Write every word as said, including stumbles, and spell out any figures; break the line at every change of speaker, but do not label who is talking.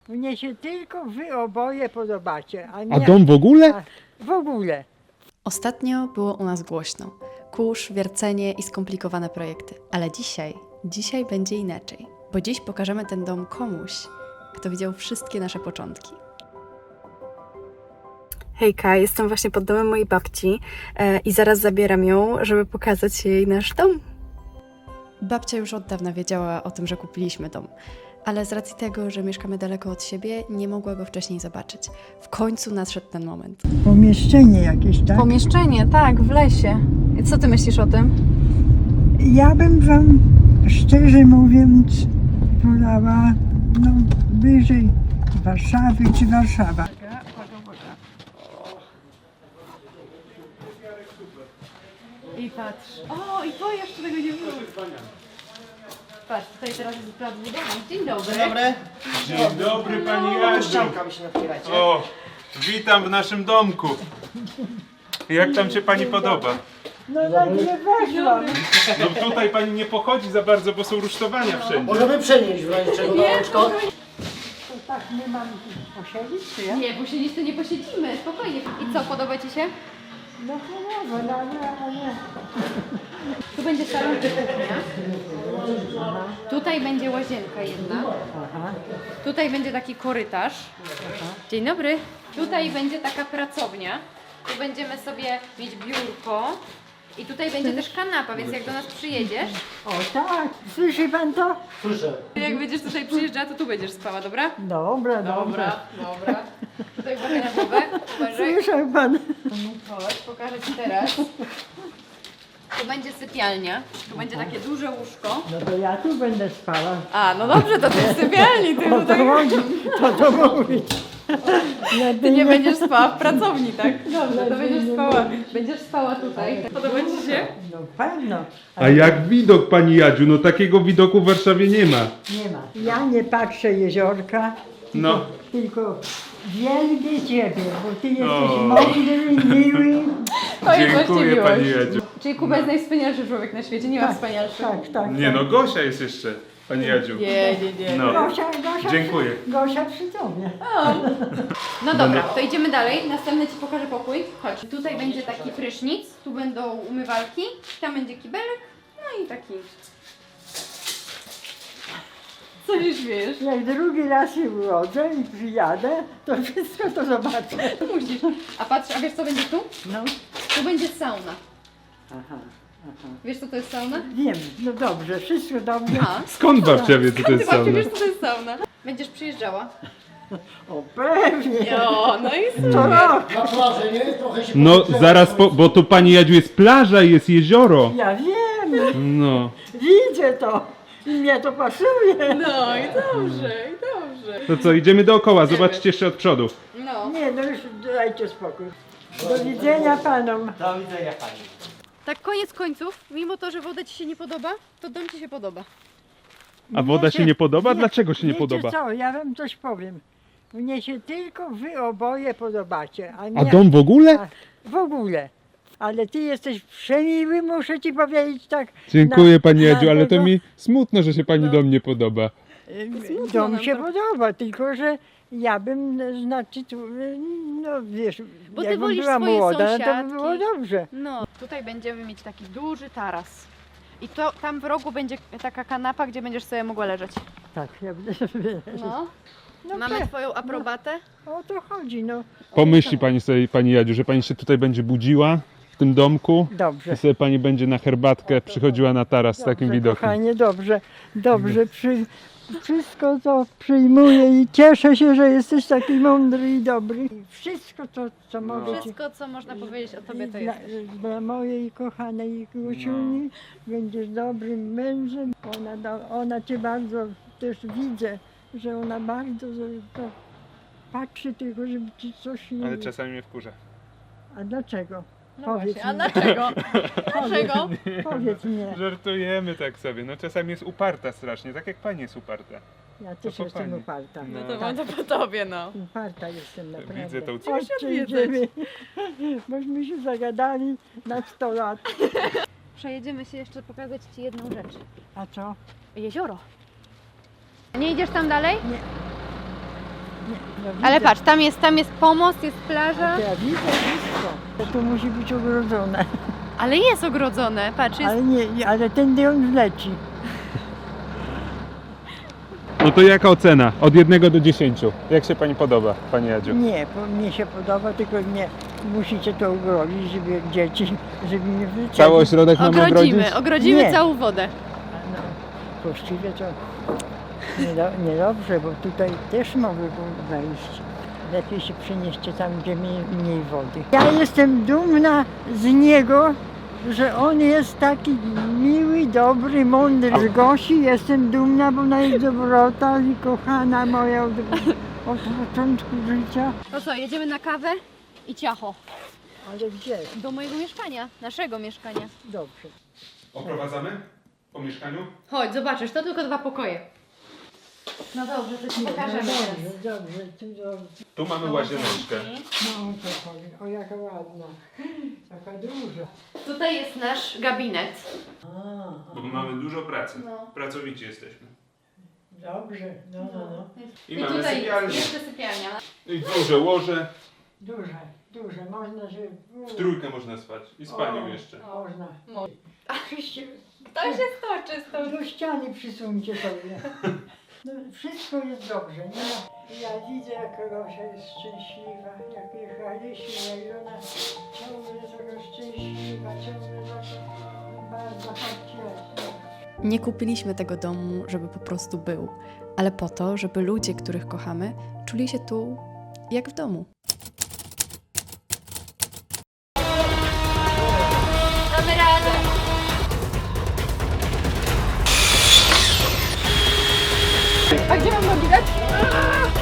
Mnie się tylko wy oboje podobacie, a nie...
A dom w ogóle?
A, w ogóle.
Ostatnio było u nas głośno. Kurz, wiercenie i skomplikowane projekty. Ale dzisiaj, dzisiaj będzie inaczej. Bo dziś pokażemy ten dom komuś, kto widział wszystkie nasze początki. Hejka, jestem właśnie pod domem mojej babci e, i zaraz zabieram ją, żeby pokazać jej nasz dom. Babcia już od dawna wiedziała o tym, że kupiliśmy dom, ale z racji tego, że mieszkamy daleko od siebie, nie mogła go wcześniej zobaczyć. W końcu nadszedł ten moment.
Pomieszczenie jakieś, tak?
Pomieszczenie, tak, w lesie. I co ty myślisz o tym?
Ja bym wam, szczerze mówiąc, wolała, no, wyżej Warszawy czy Warszawa.
I patrz. O, i to jeszcze tego nie było. Patrz, tutaj teraz jest prawo budowa. Dzień dobry.
Dzień dobry.
Dzień dobry Pani Jadziu.
Ścianka się napierajcie.
O, witam w naszym domku. Jak tam się Pani podoba?
No tak nie weszłam.
No tutaj Pani nie pochodzi za bardzo, bo są rusztowania wszędzie.
Możemy przenieść w razie czego na łączko.
Tak nie mam posiedzieć, czy ja?
Nie, posiedzieć to nie posiedzimy, spokojnie. I co, podoba ci się?
No choroba, no nie, nie.
Tu będzie salon czy kuchnia. Tutaj będzie łazienka jedna. Tutaj będzie taki korytarz. Dzień dobry. Tutaj będzie taka pracownia. Tu będziemy sobie mieć biurko. I tutaj będzie też kanapa, więc jak do nas przyjedziesz,
O tak, słyszy pan to?
Słyszę.
jak będziesz tutaj przyjeżdżała, to tu będziesz spała, dobra?
Dobra, dobra.
dobra. Tutaj uwaga na głowę. Uważaj.
Słyszał pan?
Chodź, pokażę ci teraz. Tu będzie sypialnia. Tu będzie takie duże łóżko.
No to ja tu będę spała.
A, no dobrze, to ty w sypialni, ty
To to chodzi, to to mówić. Ja
Ty nie będziesz spała w pracowni, tak? Dobrze, to będziesz spała. Będziesz spała tutaj. Podoba ci się?
No pewno,
A jak widok Pani Jadziu? No takiego widoku w Warszawie nie ma.
nie ma. Ja nie patrzę jeziorka,
No.
tylko wielbię Ciebie, bo Ty jesteś
O.
mądry, miły.
To jest właśnie
Dziękuję
miłość.
Pani Jadziu.
Czyli Kuba jest najwspanialszy człowiek na świecie, nie ma wspanialszych.
Tak, tak.
Nie no, Gosia jest jeszcze, Pani Jadziu.
Nie, nie, nie.
No.
Gosia, Gosia,
Dziękuję.
Gosia przy Tobie.
No dobra, to idziemy dalej. Następny ci pokażę pokój. Chodź. Tutaj będzie taki prysznic, tu będą umywalki, tam będzie kibelek, no i taki. Co się śmiejesz?
Jak drugi raz się urodzę i przyjadę, to wszystko to zobaczę.
Musisz. A patrz, a wiesz co będzie tu?
No,
Tu będzie sauna.
aha, aha.
Wiesz co to jest sauna?
Wiem, no dobrze, wszystko dobrze.
A,
Skąd babcia wie, co to
ty
jest
właśnie
sauna?
wiesz co to jest sauna. Będziesz przyjeżdżała.
O, pewnie.
O, no i
Co rok.
Na plaży, nie? Trochę się
No
podgrzewa.
zaraz, po, bo tu Pani Jadziu jest plaża i jest jezioro.
Ja wiem,
No.
widzę to. I mnie to pasuje.
No i dobrze, i dobrze.
To co, idziemy dookoła, zobaczcie jeszcze od przodu.
No.
Nie, no już dajcie spokój. Do widzenia panom.
Do widzenia pani.
Tak koniec końców, mimo to, że woda ci się nie podoba, to dom ci się podoba.
A woda
Mnie
się nie podoba? Dlaczego się nie
wiecie
podoba?
co, ja wam coś powiem. Mnie się tylko wy oboje podobacie, a nie...
A dom w ogóle?
a w ogóle. Ale ty jesteś przemiły, muszę ci powiedzieć tak.
Dziękuję
na-
Pani
na
Jadziu, ale to
tego-
mi smutno, że się Pani dom nie podoba.
Y, Dom
nam
się
to.
podoba, tylko że ja bym, y, znaczy, tu, y, no wiesz,
Bo ty
jakbym
wolisz
była
swoje
młoda, to by
sąsiadki.
było dobrze.
No. Tutaj będziemy mieć taki duży taras. I to tam w rogu będzie taka kanapa, gdzie będziesz sobie mogła leżeć.
Tak, ja będę sobie...
No.
No
Mamy
pe-
twoją aprobatę?
O to chodzi, no.
Pomyśli Pani sobie, Pani Jadziu, że Pani się tutaj będzie budziła w tym domku
Dobrze.
i sobie Pani będzie na herbatkę przychodziła na taras z takim
Dobrze,
widokiem.
kochanie, dobrze, dobrze. Przy, wszystko to przyjmuję i cieszę się, że jesteś taki mądry i dobry. I wszystko to, co mogę ci...
Wszystko, co można powiedzieć o tobie, to
dla,
jest.
dla mojej kochanej Gosiuni będziesz dobrym mężem. Ona, do, ona cię bardzo też widzę, że ona bardzo to patrzy tylko, żeby ci coś nie...
Ale czasami mnie wkurza.
A dlaczego?
No
Powiedz
właśnie, a
mi.
dlaczego? Dlaczego?
Powiedz mi.
Żartujemy tak sobie, no czasami jest uparta strasznie, tak jak Pani jest uparta.
Ja też
po
jestem
pani.
uparta.
No
To mam to po tobie, no.
Uparta jestem naprawdę.
Widzę tą
Chodźcie,
odwiedzać.
idziemy. Bośmy się zagadali na sto lat.
Przejedziemy się jeszcze pokazać ci jedną rzecz.
A co?
Jezioro. Nie idziesz tam dalej?
Nie. No,
Ale
widzę.
patrz, tam jest, tam jest pomost, jest plaża,
To ja widzę wszystko. To tu musi być ogrodzone.
ale jest ogrodzone, patrz, jest...
Ale nie, ale tędy on wleci.
No to jaka ocena? Od jednego do dziesięciu. Jak się pani podoba, pani Jadziu?
Nie, bo mnie się podoba, tylko nie musicie to ogrodzić, żeby dzieci, żeby nie wlecieli.
Cały ośrodek mamy ogrodzić?
Ogrodzimy, ogrodzimy
Nie.
całą wodę.
No, właściwie to niedo- niedobrze, bo tutaj też mogły wejść. Lepiej się przenieście tam, gdzie mniej, mniej wody. Ja jestem dumna z niego, że on jest taki miły, dobry, mądry. Z Gosi jestem dumna, bo ona jest dobrota i kochana moja od, od początku życia.
To co, jedziemy na kawę i ciacho.
Ale gdzie?
Do mojego mieszkania, naszego mieszkania.
Dobrze.
Oprowadzamy po mieszkaniu?
Chodź, zobaczysz, to tylko dwa pokoje. No dobrze, to ci pokażemy teraz.
Dobrze, dobrze, tu dobrze.
Tu mamy łazieneczkę.
No to chodzi. O, jaka ładna. Taka duża.
Tutaj jest nasz gabinet.
A,
Bo mamy dużo pracy.
No.
Pracowici jesteśmy.
dobrze, no, no, no.
I,
I
mamy
tutaj
sypialnię.
jest jeszcze sypialnia.
I duże łoże.
Duże, duże, można się...
W trójkę można spać. I z panią
O.
jeszcze.
Można.
Mo-
Wszyscy,
Kto się stoczy z tą...
do ściany przysuńcie sobie. No, wszystko jest dobrze, nie? Ja widzę, jak Gosia jest szczęśliwa, jak jechaliśmy, jak ona ciągle taka szczęśliwa, ciągle taka bardzo chodźcie.
Nie kupiliśmy tego domu, żeby po prostu był, ale po to, żeby ludzie, których kochamy, czuli się tu jak w domu.
Damy radę. A gdzie mam nogi dać?